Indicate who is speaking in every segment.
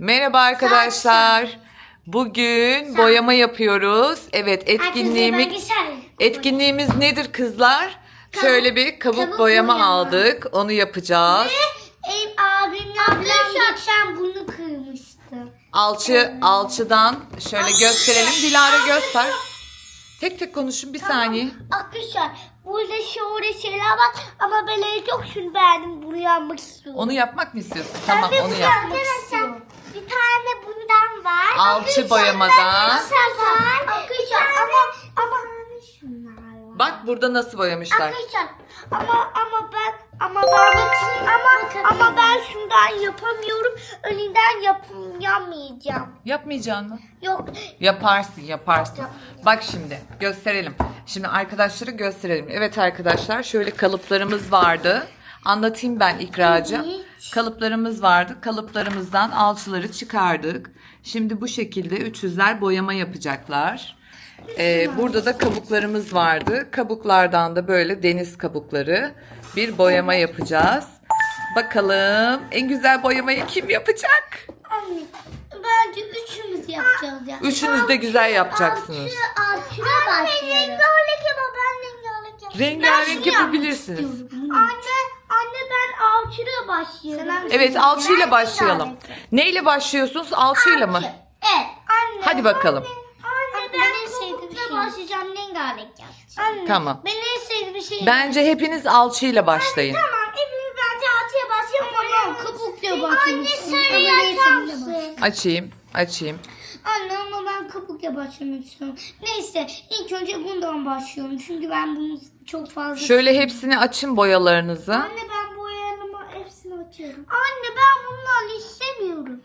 Speaker 1: Merhaba arkadaşlar. Bugün boyama yapıyoruz. Evet, etkinliğimiz nedir kızlar? Şöyle bir kabuk boyama aldık. Onu yapacağız.
Speaker 2: Ablam geçen bunu kırmıştı.
Speaker 1: Alçıdan şöyle gösterelim. Dilara göster. Tek tek konuşun bir saniye.
Speaker 2: Arkadaşlar burada şöyle şeyler var ama ben en çok şunu beğendim. Bunu yapmak istiyorum.
Speaker 1: Onu yapmak mı istiyorsun? Tamam, onu yap.
Speaker 2: Arkadaşlar bir tane bundan var.
Speaker 1: Alçı boyamadan.
Speaker 2: Arkadaşlar ama şunlar var.
Speaker 1: Bak burada nasıl boyamışlar.
Speaker 2: Arkadaşlar ama ben şundan yapamıyorum. Önünden yapamayacağım.
Speaker 1: Yapmayacaksın mı?
Speaker 2: Yok.
Speaker 1: Yaparsın. Bak şimdi gösterelim. Şimdi arkadaşlara gösterelim. Evet arkadaşlar, şöyle kalıplarımız vardı. Anlatayım ben İkracığım.
Speaker 2: Evet.
Speaker 1: Kalıplarımız vardı. Kalıplarımızdan alçıları çıkardık. Şimdi bu şekilde üçüzler boyama yapacaklar. Burada da kabuklarımız vardı. Kabuklardan da böyle deniz kabukları bir boyama yapacağız. Bakalım en güzel boyamayı kim yapacak?
Speaker 2: Anne bence üçümüz yapacağız ya.
Speaker 1: Üçünüz de güzel yapacaksınız.
Speaker 2: Alçıya başlayalım. Rengarenk yapalım. Ben
Speaker 1: Rengarenk yapabilirsiniz.
Speaker 2: Anne ben alçıya başlıyorum.
Speaker 1: Evet, alçıyla başlayalım. Neyle başlıyorsunuz? Alçıyla mı?
Speaker 2: Evet anne.
Speaker 1: Hadi bakalım.
Speaker 2: Anne ben en sevdiğim başlayacağım. Rengarenk yapacağım. Anne,
Speaker 1: Tamam.
Speaker 2: ben en sevdiğim şey.
Speaker 1: Bence hepiniz alçıyla başlayın.
Speaker 2: Tamam hepimiz bence alçıya başlayalım. Tamam kabukla başlayalım. Anne sarı yaparsın.
Speaker 1: Açayım.
Speaker 2: Anne ama ben kabukla başlamak istiyorum. Neyse ilk önce bundan başlıyorum. Çünkü ben bunu çok fazla...
Speaker 1: Şöyle hepsini açın boyalarınızı.
Speaker 2: Anne ben boyalarımı hepsini açıyorum. Anne ben bunları istemiyorum.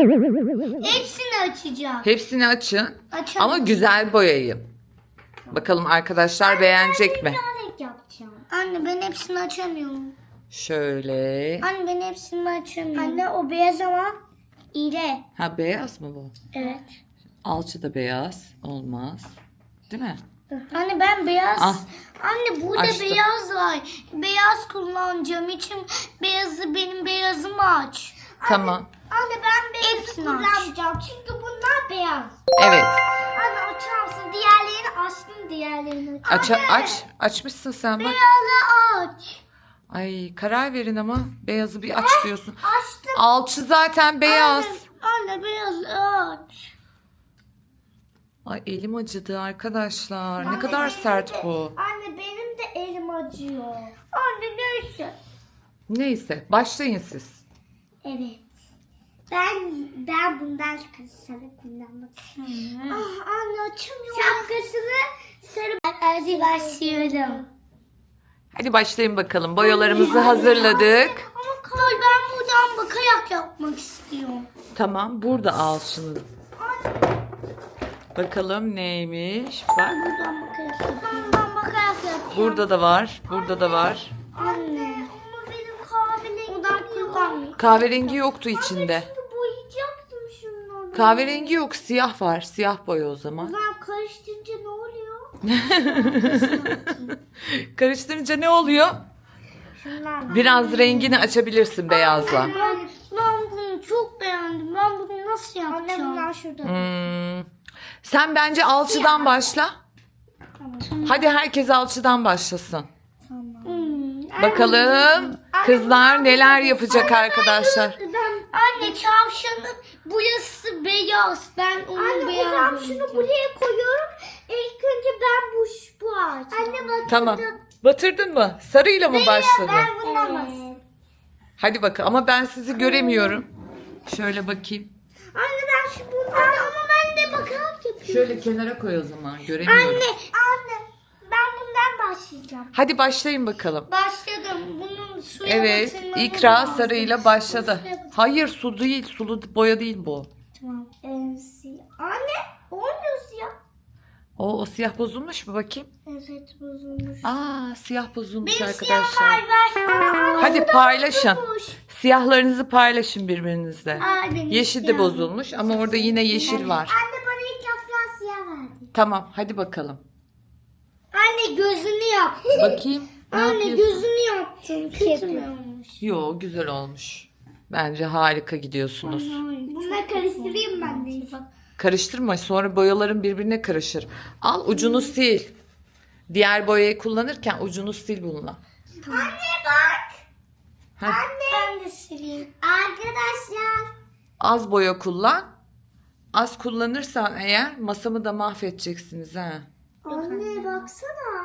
Speaker 2: Hepsini açacağım.
Speaker 1: Hepsini açın.
Speaker 2: Açalım.
Speaker 1: Ama güzel boyayın. Bakalım arkadaşlar beğenecek mi?
Speaker 2: Rengarenk yapacağım. Anne ben hepsini açamıyorum.
Speaker 1: Şöyle.
Speaker 2: Anne ben hepsini açamıyorum. Anne o beyaz ama ile.
Speaker 1: Ha, beyaz mı bu?
Speaker 2: Evet.
Speaker 1: Alçı da beyaz. Olmaz. Değil mi?
Speaker 2: Anne ben beyaz.
Speaker 1: Ah.
Speaker 2: Anne burada
Speaker 1: Açtım.
Speaker 2: beyaz var. Beyaz kullanacağım için benim beyazımı aç.
Speaker 1: Tamam.
Speaker 2: Anne ben beyazı kullanacağım çünkü bunlar beyaz.
Speaker 1: Evet.
Speaker 2: Anne açar mısın? Diğerlerini açtım diğerlerini. Anne,
Speaker 1: Açmışsın sen bak.
Speaker 2: beyazı aç.
Speaker 1: Ay, karar verin ama beyazı bir aç diyorsun.
Speaker 2: Açtım.
Speaker 1: Alçı zaten beyaz.
Speaker 2: Anne beyazı aç.
Speaker 1: Ay, elim acıdı arkadaşlar. Ne kadar sert bu.
Speaker 2: Anne benim de elim acıyor. Anne neyse.
Speaker 1: Neyse, başlayın siz.
Speaker 2: Evet. Ben bundan sarı kullanmak istiyorum. Ah anne açamıyorum. Şapkasını sarı. Hadi başlıyorum.
Speaker 1: Hadi başlayın bakalım. Boyalarımızı hazırladık.
Speaker 2: Ama Kay ben buradan bakarak yapmak istiyorum.
Speaker 1: Tamam, burada al şunu. Bakalım neymiş. Bak,
Speaker 2: Buradan bakarak yapıyorum. Buradan bakarak yapacağım.
Speaker 1: burada da var. Burada da var.
Speaker 2: Anne. Ama benim kahverengi buradan kullanmıyorum.
Speaker 1: Kahverengi yoktu içinde.
Speaker 2: Şimdi boyayacaktım şunları.
Speaker 1: Kahverengi yok, siyah var. Siyah boya o zaman.
Speaker 2: Ben karıştırınca ne oluyor?
Speaker 1: Karıştırınca ne oluyor?
Speaker 2: Şunlar.
Speaker 1: Biraz rengini açabilirsin beyazla.
Speaker 2: Ben bunu çok beğendim. Ben bunu nasıl yapacağım? Anne bunlar şurada.
Speaker 1: Sen bence alçıdan başla. Hadi herkes alçıdan başlasın. Bakalım kızlar neler yapacak arkadaşlar.
Speaker 2: Anne çavşanın burası beyaz. Ben onu beyaz. Anne o zaman şunu buraya koyuyorum. İlk önce ben bu ağaç. Anne bak.
Speaker 1: Tamam. Batırdın mı? Sarıyla mı başladın?
Speaker 2: Ben bundan
Speaker 1: Hadi bakalım ama ben sizi göremiyorum. Şöyle bakayım.
Speaker 2: Anne ben şu bundan. Ama ben de bakarak yapıyorum.
Speaker 1: Şöyle kenara koy o zaman. Göremiyorum.
Speaker 2: Anne ben bundan başlayacağım.
Speaker 1: Hadi başlayın bakalım.
Speaker 2: Başladım. Bunun suya
Speaker 1: Evet,
Speaker 2: batırmamı
Speaker 1: İkra
Speaker 2: lazım.
Speaker 1: sarıyla başladı. Hayır, su değil, sulu boya değil bu.
Speaker 2: Tamam. Anne olmuyor siyah.
Speaker 1: O siyah bozulmuş mu bakayım?
Speaker 2: Evet bozulmuş.
Speaker 1: Siyah bozulmuş
Speaker 2: Benim
Speaker 1: arkadaşlar.
Speaker 2: siyah ver.
Speaker 1: Hadi paylaşın.
Speaker 2: bozulmuş.
Speaker 1: Siyahlarınızı paylaşın birbirinizle.
Speaker 2: Benim
Speaker 1: Yeşil de
Speaker 2: siyah.
Speaker 1: bozulmuş ama orada yine yeşil var.
Speaker 2: Anne bana ilk defa siyah verdi.
Speaker 1: Tamam, hadi bakalım.
Speaker 2: Anne gözünü yaptı.
Speaker 1: Bakayım. Ne
Speaker 2: Anne
Speaker 1: yapıyorsun?
Speaker 2: gözünü yaptım. Kötü mü olmuş?
Speaker 1: Yo, güzel olmuş. Bence harika gidiyorsunuz.
Speaker 2: Bunları karıştırayım ben de. Bak.
Speaker 1: Karıştırma, sonra boyaların birbirine karışır. Al ucunu sil. Diğer boyayı kullanırken ucunu sil bununla.
Speaker 2: Anne bak.
Speaker 1: Heh.
Speaker 2: Anne. Ben de sileyim. Arkadaşlar.
Speaker 1: Az boya kullan. Az kullanırsan eğer masamı da mahvedeceksiniz ha.
Speaker 2: Anne baksana.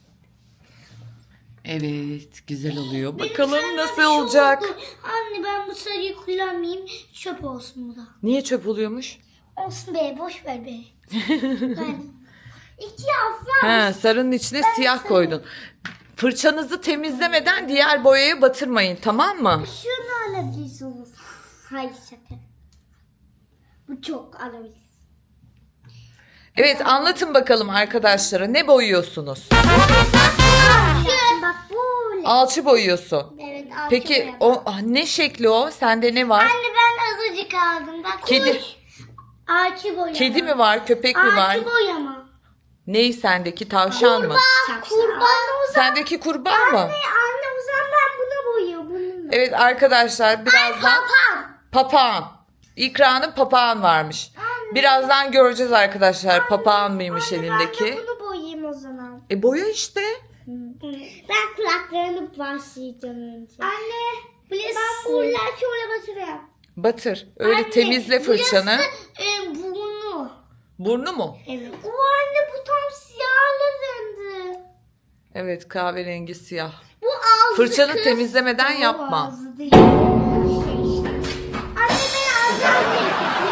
Speaker 1: Evet, güzel oluyor. Bakalım
Speaker 2: Benim
Speaker 1: nasıl
Speaker 2: sarıda bir şey
Speaker 1: olacak.
Speaker 2: oldu. Anne ben bu sarıyı kullanmayayım. Çöp olsun bu da.
Speaker 1: Niye çöp oluyormuş?
Speaker 2: Olsun be boş ver be. Ben. İki afra.
Speaker 1: He, sarının içine siyah koydun. Fırçanızı temizlemeden diğer boyaya batırmayın, tamam mı?
Speaker 2: Şunu alabilirsiniz. Hayır şaka. Bu çok alabiliriz.
Speaker 1: Evet, anlatın bakalım arkadaşlara. Ne boyuyorsunuz?
Speaker 2: Bak böyle.
Speaker 1: Alçı boyuyorsun.
Speaker 2: Evet.
Speaker 1: Peki o ne şekli o? Sende ne var?
Speaker 2: Anne ben azıcık aldım. Bak
Speaker 1: Kedi.
Speaker 2: kuş. Ağaçı boyama.
Speaker 1: Kedi mi var, köpek mi var?
Speaker 2: Ağaçı boyama.
Speaker 1: Ney sendeki, tavşan mı?
Speaker 2: Kurban.
Speaker 1: Sendeki kurban mı?
Speaker 2: Anne o zaman ben bunu boyuyorum. Bunu.
Speaker 1: Evet arkadaşlar, birazdan
Speaker 2: Papağan.
Speaker 1: papağan. İkra'nın papağan varmış. Birazdan göreceğiz arkadaşlar, papağan mıymış
Speaker 2: Ben
Speaker 1: elindeki.
Speaker 2: de bunu boyayayım o zaman.
Speaker 1: Boya işte.
Speaker 2: Ben kulaklarını başlayacağım önce. Anne. Ben buralar şöyle batırıyorum.
Speaker 1: Batır. Öyle
Speaker 2: Anne,
Speaker 1: temizle fırçanı.
Speaker 2: Burası burnu.
Speaker 1: Burnu mu?
Speaker 2: Evet. O anne bu tam siyahla döndü.
Speaker 1: Evet, kahverengi siyah.
Speaker 2: Bu ağzı
Speaker 1: Fırçanı
Speaker 2: kız.
Speaker 1: temizlemeden
Speaker 2: O
Speaker 1: yapma.
Speaker 2: ağzı değil. Anne ben ağzı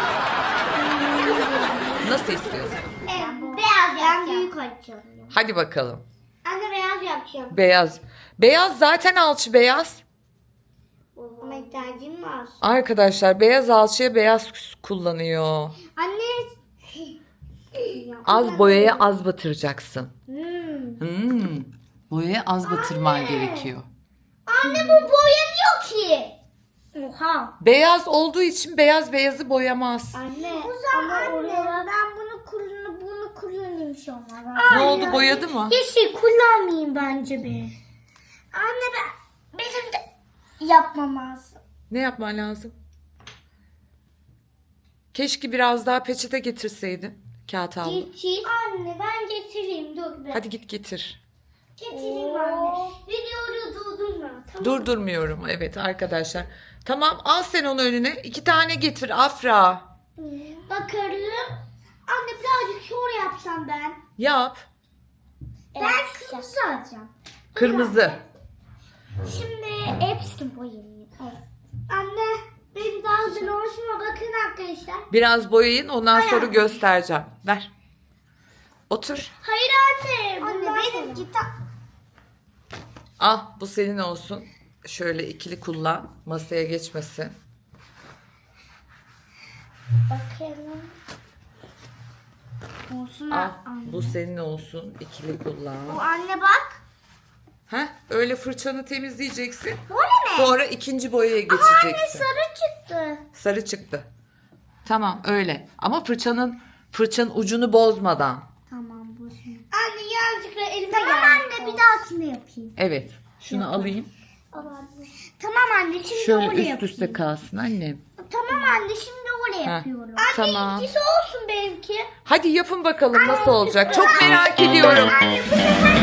Speaker 1: Nasıl istiyorsan.
Speaker 2: beyaz yapacağım. Ben büyük açacağım.
Speaker 1: Hadi bakalım.
Speaker 2: Anne beyaz yapacağım.
Speaker 1: Beyaz. Beyaz zaten alçı beyaz.
Speaker 2: Ama ihtiyacım var.
Speaker 1: Arkadaşlar beyaz alçıya beyaz kullanıyor.
Speaker 2: Anne.
Speaker 1: Az boyaya az batıracaksın.
Speaker 2: Hmm.
Speaker 1: Boyaya az batırman gerekiyor.
Speaker 2: Anne bu boyanıyor ki. Oha.
Speaker 1: Beyaz olduğu için beyaz beyazı boyamaz.
Speaker 2: Anne. O zaman anne ben bunu kullanayım şu an.
Speaker 1: Ne oldu, boyadı mı?
Speaker 2: Yeşil kullanmayayım bence be. Anne benim de yapmam lazım.
Speaker 1: Ne yapman lazım? Keşke biraz daha peçete getirseydin. Kağıt havlu.
Speaker 2: Getir. Anne ben getireyim dur be.
Speaker 1: Hadi git getir.
Speaker 2: Getireyim anne. Videoyu durdurma. Tamam.
Speaker 1: Durdurmuyorum. Evet arkadaşlar. Tamam, al sen onu önüne. 2 tane getir Afra.
Speaker 2: Bakarım. Anne birazcık şöyle yapsam ben.
Speaker 1: Yap.
Speaker 2: Ben kırmızı alacağım.
Speaker 1: Kırmızı.
Speaker 2: Şimdi hepsini boyayayım. Evet. Anne benim daha güzel oluşuma bakın arkadaşlar.
Speaker 1: Biraz boyayın, ondan sonra göstereceğim. Ver. Otur.
Speaker 2: Hayır anne. Anne benim kitap.
Speaker 1: Al, bu senin olsun. Şöyle ikili kullan. Masaya geçmesin.
Speaker 2: Bakalım. Olsun
Speaker 1: Al,
Speaker 2: anne.
Speaker 1: bu senin olsun. İkili kullan.
Speaker 2: Bu anne bak.
Speaker 1: Heh, öyle fırçanı temizleyeceksin.
Speaker 2: Bu ne?
Speaker 1: Sonra ikinci boyaya
Speaker 2: Anne
Speaker 1: geçeceksin.
Speaker 2: sarı çıktı.
Speaker 1: Sarı çıktı. Tamam öyle. Ama fırçanın ucunu bozmadan.
Speaker 2: Tamam bu şimdi. Anne yazıkla elime geldi. Tamam anne bir dahakine yapayım.
Speaker 1: Evet. Şunu alayım.
Speaker 2: Tamam anne şimdi
Speaker 1: Şöyle
Speaker 2: oraya
Speaker 1: üst
Speaker 2: yapayım.
Speaker 1: üste kalsın annem.
Speaker 2: Tamam anne şimdi oraya yapıyorum. Anne
Speaker 1: tamam.
Speaker 2: ikisi olsun benimki.
Speaker 1: Hadi yapın bakalım nasıl olacak. Çok merak ediyorum.
Speaker 2: Anne bu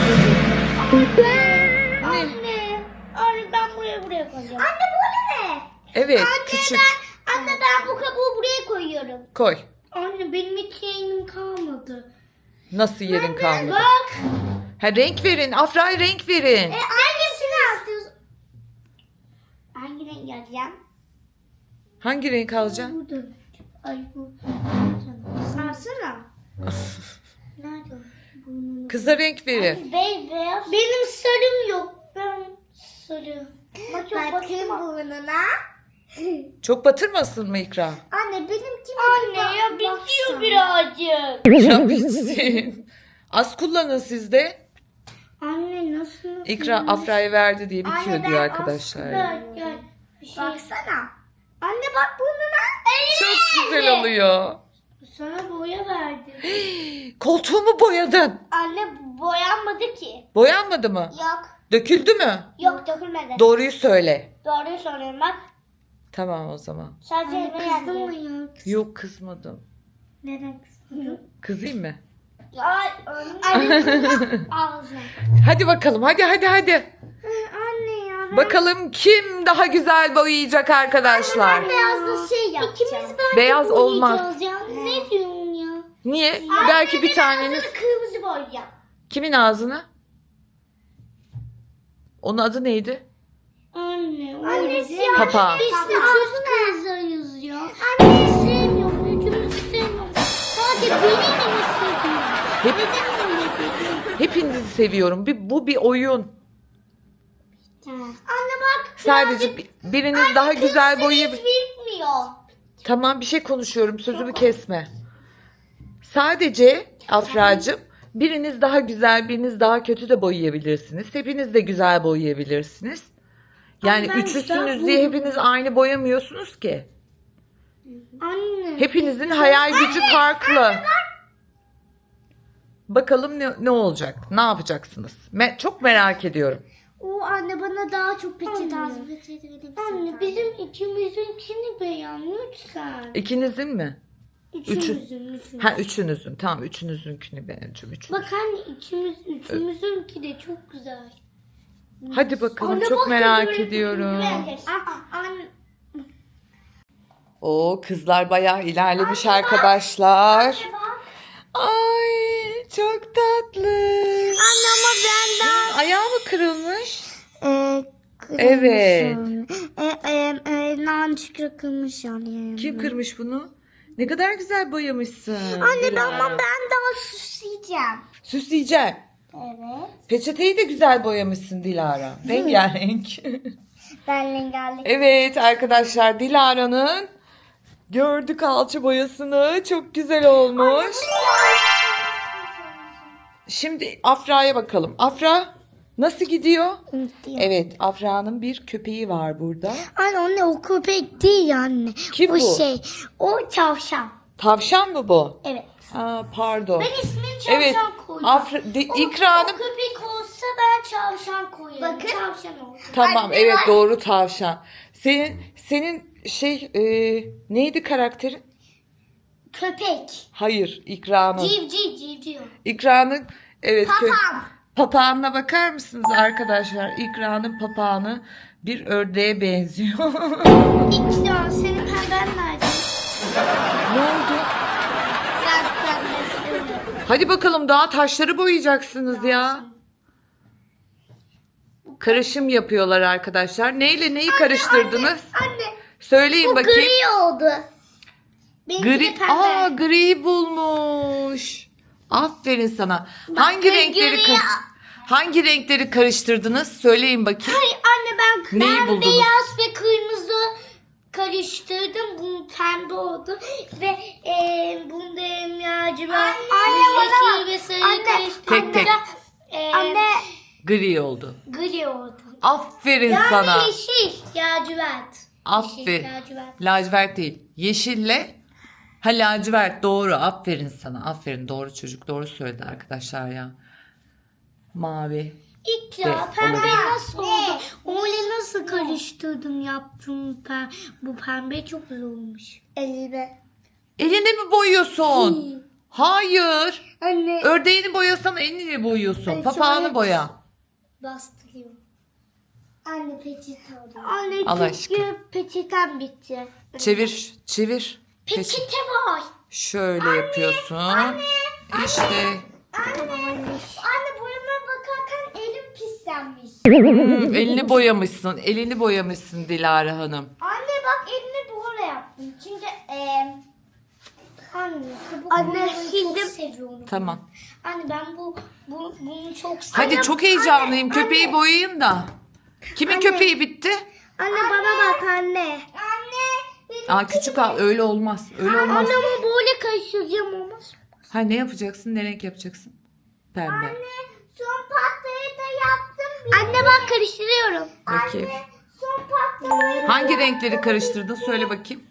Speaker 2: sefer Anne ben buraya koyacağım. Anne bu ne?
Speaker 1: Evet,
Speaker 2: Anne
Speaker 1: küçük.
Speaker 2: Anne ben bu kabuğu buraya koyuyorum.
Speaker 1: Koy.
Speaker 2: Anne benim hiç yeğenim kalmadı.
Speaker 1: Nasıl yerin kalmadı?
Speaker 2: Bak.
Speaker 1: Ha, renk verin. Afra'ya renk verin.
Speaker 2: Hangisini istiyorsun? Hangi renk alacağım?
Speaker 1: Hangi renk alacaksın?
Speaker 2: Burada. Ay bu. Sarsana. Nerede o? Burnunu.
Speaker 1: Kıza renk verin.
Speaker 2: Beyaz. Benim sarım yok. Ben sarı. Bakın burnuna.
Speaker 1: Çok batırmasın mı İkra?
Speaker 2: Anne benimki Anne ya bitiyor birazcık.
Speaker 1: Ya bitsin. Az kullanın siz de.
Speaker 2: Anne nasıl?
Speaker 1: İkra Afra'ya verdi diye bitiyor diyor arkadaşlar.
Speaker 2: Gel. Baksana. Anne bak burnuna.
Speaker 1: Çok güzel oluyor.
Speaker 2: Sana boya verdim.
Speaker 1: Koltuğumu boyadın.
Speaker 2: Anne boyanmadı ki.
Speaker 1: Boyanmadı mı?
Speaker 2: Yok.
Speaker 1: Döküldü mü?
Speaker 2: Yok dökülmedi.
Speaker 1: Doğruyu söyle.
Speaker 2: Doğruyu söylüyorum bak.
Speaker 1: Tamam o zaman.
Speaker 2: Sadece kızdın mı ya?
Speaker 1: Yok kızmadım.
Speaker 2: Neden kızdın?
Speaker 1: Kızayım mı?
Speaker 2: Ay anne ağzına.
Speaker 1: Hadi bakalım hadi.
Speaker 2: Anne ya.
Speaker 1: Bakalım kim daha güzel boyayacak arkadaşlar.
Speaker 2: Ben beyazla şey yapacağım. İkimiz bence
Speaker 1: Beyaz olmaz.
Speaker 2: boyayacağız ya. Ne diyorsun ya?
Speaker 1: Niye? Belki bir taneniz.
Speaker 2: Kırmızı boyayacağım.
Speaker 1: Kimin ağzını? Onun adı neydi?
Speaker 2: Anne siyah.
Speaker 1: Papağan.
Speaker 2: Biz de çok kızarız ya. Anne sevmiyorum. Üçümüzü sevmiyorum. Sadece birini mi seviyorum?
Speaker 1: Hep,
Speaker 2: Neden öyle dedin?
Speaker 1: hepinizi seviyorum. Bu bir oyun.
Speaker 2: Anne bak.
Speaker 1: Sadece biriniz daha güzel boyayabilir.
Speaker 2: Hiç bitmiyor.
Speaker 1: Tamam bir şey konuşuyorum. Sözümü kesme. Sadece Afracığım biriniz daha güzel, biriniz daha kötü de boyayabilirsiniz. Hepiniz de güzel boyayabilirsiniz. Yani
Speaker 2: Ama ben
Speaker 1: üçüsünüz
Speaker 2: güzel
Speaker 1: diye hepiniz aynı boyamıyorsunuz ki.
Speaker 2: Anne.
Speaker 1: Hepinizin hayal gücü farklı. Bakalım ne olacak? Ne yapacaksınız? Çok merak ediyorum.
Speaker 2: O anne bana daha çok peçete az peçete verir. Anne bizim ikimizinkini beğen lütfen.
Speaker 1: İkinizin mi?
Speaker 2: Üçümüzün.
Speaker 1: Ha üçünüzün. Tamam üçünüzünkünü beğeneceğim.
Speaker 2: Bak anne üçümüzünki de çok güzel.
Speaker 1: Hadi bakalım
Speaker 2: Anne
Speaker 1: çok
Speaker 2: bak,
Speaker 1: merak
Speaker 2: böyle
Speaker 1: ediyorum.
Speaker 2: Anne.
Speaker 1: O kızlar bayağı ilerlemiş arkadaşlar. Ay çok tatlı.
Speaker 2: Anne ama ben
Speaker 1: Ayağı mı kırılmış?
Speaker 2: kırılmış
Speaker 1: Evet.
Speaker 2: Nancık kırılmış yani.
Speaker 1: Kim kırmış bunu? Ne kadar güzel boyamışsın.
Speaker 2: Anne
Speaker 1: Dilara.
Speaker 2: ben daha süsleyeceğim.
Speaker 1: Süsleyeceğim.
Speaker 2: Evet.
Speaker 1: Peçeteyi de güzel boyamışsın Dilara. Rengarenk.
Speaker 2: Ben rengarenk.
Speaker 1: Evet arkadaşlar Dilara'nın gördük alçı boyasını. Çok güzel olmuş. Şimdi Afra'ya bakalım. Afra nasıl gidiyor? Evet Afra'nın bir köpeği var burada.
Speaker 2: Anne o köpek değil anne.
Speaker 1: Kim
Speaker 2: o
Speaker 1: bu?
Speaker 2: O tavşan.
Speaker 1: Tavşan mı bu?
Speaker 2: Evet.
Speaker 1: Aa, pardon.
Speaker 2: Ben ismini tavşan
Speaker 1: Evet.
Speaker 2: koyacağım.
Speaker 1: İkranım.
Speaker 2: O köpek olsa ben tavşan koyarım. Bakın. Tavşan oldu.
Speaker 1: Tamam
Speaker 2: Anne,
Speaker 1: evet
Speaker 2: bak.
Speaker 1: doğru tavşan. Senin neydi karakterin?
Speaker 2: Köpek.
Speaker 1: Hayır İkranın.
Speaker 2: Civciv.
Speaker 1: İkranın evet.
Speaker 2: Papağan.
Speaker 1: Papağanına bakar mısınız arkadaşlar? İkranın papağanı bir ördeğe benziyor.
Speaker 2: İkram senin pemben nerede?
Speaker 1: Ne oldu?
Speaker 2: Ben pembe.
Speaker 1: Hadi bakalım daha taşları boyayacaksınız ya. Karışım yapıyorlar arkadaşlar. Neyle neyi karıştırdınız?
Speaker 2: Anne.
Speaker 1: Söyleyin
Speaker 2: Bu
Speaker 1: bakayım.
Speaker 2: gri oldu. Benimki de
Speaker 1: Gri.
Speaker 2: pembe.
Speaker 1: Aa gri bulmuş. Aferin sana. Hangi renkleri karıştırdınız? Söyleyin bakayım.
Speaker 2: Hayır anne
Speaker 1: Neyi
Speaker 2: ben
Speaker 1: buldunuz?
Speaker 2: beyaz ve kırmızı karıştırdım. Bu pembe oldu. Ve bunda lacivert, yeşil ve sarı karıştırdım.
Speaker 1: Tek tek.
Speaker 2: Anne
Speaker 1: Gri oldu.
Speaker 2: gri oldu.
Speaker 1: Aferin
Speaker 2: Yani
Speaker 1: sana.
Speaker 2: yeşil lacivert.
Speaker 1: Aferin.
Speaker 2: Yeşil, lacivert.
Speaker 1: Lacivert değil. Yeşille lacivert doğru. Aferin sana. Aferin doğru çocuk. Doğru söyledi arkadaşlar ya. Mavi.
Speaker 2: İkra
Speaker 1: De,
Speaker 2: pembe
Speaker 1: olabilir.
Speaker 2: nasıl oldu? Öyle nasıl karıştırdım yaptım bu pembe çok güzel olmuş. Elime.
Speaker 1: Elini mi boyuyorsun? Hayır.
Speaker 2: Anne
Speaker 1: Ördeğini boyasan elini boyuyorsun.
Speaker 2: Ay,
Speaker 1: Papağanı
Speaker 2: şöyle-
Speaker 1: boya.
Speaker 2: bastırıyorum. Anne peçete alıyor. Anne
Speaker 1: Allah
Speaker 2: çünkü peçeten bitti.
Speaker 1: Çevir.
Speaker 2: Peçete var.
Speaker 1: Şöyle yapıyorsun. İşte.
Speaker 2: Anne boyama bakarken elim pislenmiş.
Speaker 1: Elini boyamışsın Dilara Hanım.
Speaker 2: Anne bak elimi böyle yaptım. Çünkü anne şimdi çok seviyorum.
Speaker 1: Tamam.
Speaker 2: Anne ben bunu çok seviyorum.
Speaker 1: Hadi çok heyecanlıyım. Köpeği boyayın da. Kimin köpeği bitti?
Speaker 2: Anne bana bak anne. Anne.
Speaker 1: Küçük öyle olmaz. Öyle olmaz.
Speaker 2: Anne ama böyle karıştıracağım olmaz.
Speaker 1: Ha ne yapacaksın? Ne renk yapacaksın? Pembe.
Speaker 2: Son patlayı da yaptım. Anne bak karıştırıyorum.
Speaker 1: Bakayım.
Speaker 2: Son patlayı.
Speaker 1: Hangi renkleri karıştırdın? Söyle bakayım.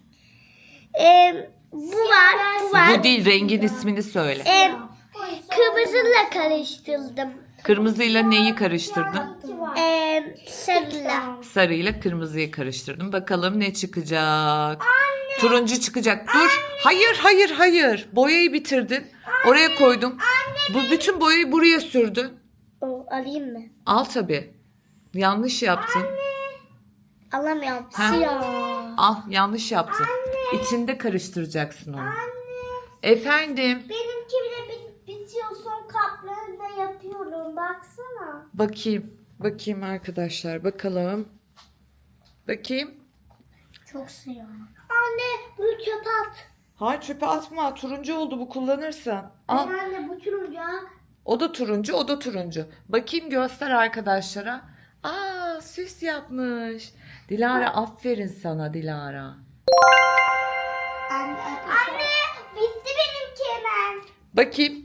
Speaker 2: Bu var.
Speaker 1: Bu değil. Rengin ismini söyle.
Speaker 2: Kırmızıyla karıştırdım.
Speaker 1: Kırmızıyla neyi karıştırdın?
Speaker 2: Sarıyla.
Speaker 1: Sarıyla kırmızıyı karıştırdım. Bakalım ne çıkacak? Turuncu çıkacak. Dur. Hayır, hayır, hayır. Boyayı bitirdin. Oraya koydum. Bu bütün boyayı buraya sürdün.
Speaker 2: Alayım mı?
Speaker 1: Al tabii. Yanlış yaptın.
Speaker 2: Alamıyorum.
Speaker 1: Ha?
Speaker 2: Siyah.
Speaker 1: Al, yanlış yaptın. İçinde karıştıracaksın onu. Efendim.
Speaker 2: Benimki bile bitiyor. Son kaplarını da yapıyorum. Baksana.
Speaker 1: Bakayım. Bakayım arkadaşlar. Bakalım. Bakayım.
Speaker 2: Çok siyah. Anne bunu çöpe at.
Speaker 1: Hayır, çöpe atma. Turuncu oldu bu, kullanırsan. Al.
Speaker 2: Anne bu turuncu.
Speaker 1: O da turuncu, o da turuncu. Bakayım, göster arkadaşlara. Aa, süs yapmış. Dilara, aferin sana Dilara.
Speaker 2: Anne bitti benimki hemen.
Speaker 1: Bakayım.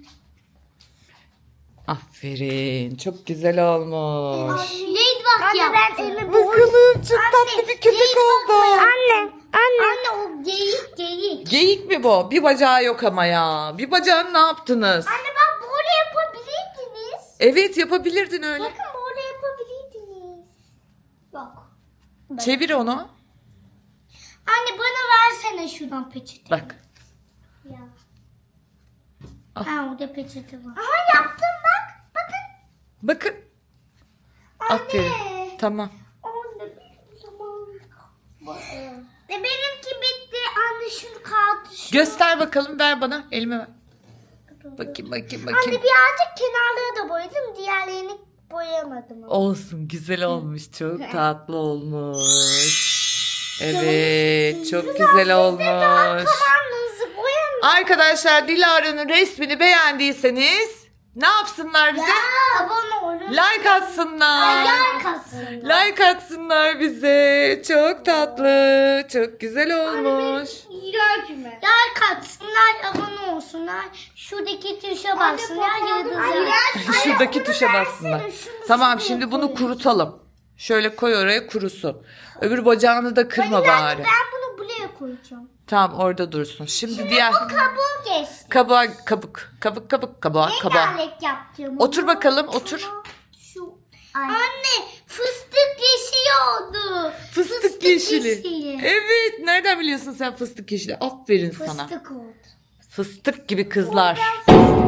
Speaker 1: Aferin. Çok güzel olmuş.
Speaker 2: Ladybug yaptım.
Speaker 1: Bakalım, çok tatlı bir köpek oldu.
Speaker 2: Anne o geyik.
Speaker 1: Geyik mi bu? Bir bacağı yok ama ya. Bir bacağını ne yaptınız?
Speaker 2: Anne bak böyle yapabilirdiniz.
Speaker 1: Evet, yapabilirdin öyle.
Speaker 2: Bakın böyle yapabilirdiniz. Bak.
Speaker 1: Çevir onu.
Speaker 2: Anne bana versene şuradan peçete.
Speaker 1: Bak.
Speaker 2: Ya.
Speaker 1: Al.
Speaker 2: Ha orada peçete var. Aha yaptım bak. Bakın.
Speaker 1: Bakın. Aferin. Tamam.
Speaker 2: Anne bir zaman. Benimki bitti. Anne şunu kaldı.
Speaker 1: Göster bakalım, ver bana. Elime ver. Bakayım.
Speaker 2: Anne birazcık kenarları da boyadım. Diğerlerini boyamadım.
Speaker 1: Olsun, güzel olmuş. Çok tatlı olmuş. Evet, çok güzel olmuş.
Speaker 2: Tamamınızı boyamın.
Speaker 1: Arkadaşlar, Dilara'nın resmini beğendiyseniz ne yapsınlar bize?
Speaker 2: Abone olun.
Speaker 1: Like atsınlar.
Speaker 2: Like atsınlar.
Speaker 1: Like atsınlar bize. Çok tatlı. Çok güzel olmuş.
Speaker 2: İğrenç mi? Like atsınlar, abone olsunlar. Şuradaki tuşa bassınlar, yıldızlar.
Speaker 1: Şuradaki tuşa bassınlar. Tamam, şimdi bunu kurutalım. Şöyle koy oraya, kurusun. Öbür bacağını da kırma bari.
Speaker 2: Ben bunu buraya koyacağım.
Speaker 1: Tamam, orada dursun. Şimdi diğer
Speaker 2: Bu kabuğu geçti.
Speaker 1: kabuğa.
Speaker 2: Rengarenk yapacağım.
Speaker 1: Otur bakalım, otur.
Speaker 2: Şu. Anne fıstık yeşili oldu.
Speaker 1: Fıstık yeşili. Evet, nereden biliyorsun sen fıstık yeşili? Aferin sana.
Speaker 2: Fıstık oldu.
Speaker 1: Fıstık gibi kızlar.
Speaker 2: Fıstık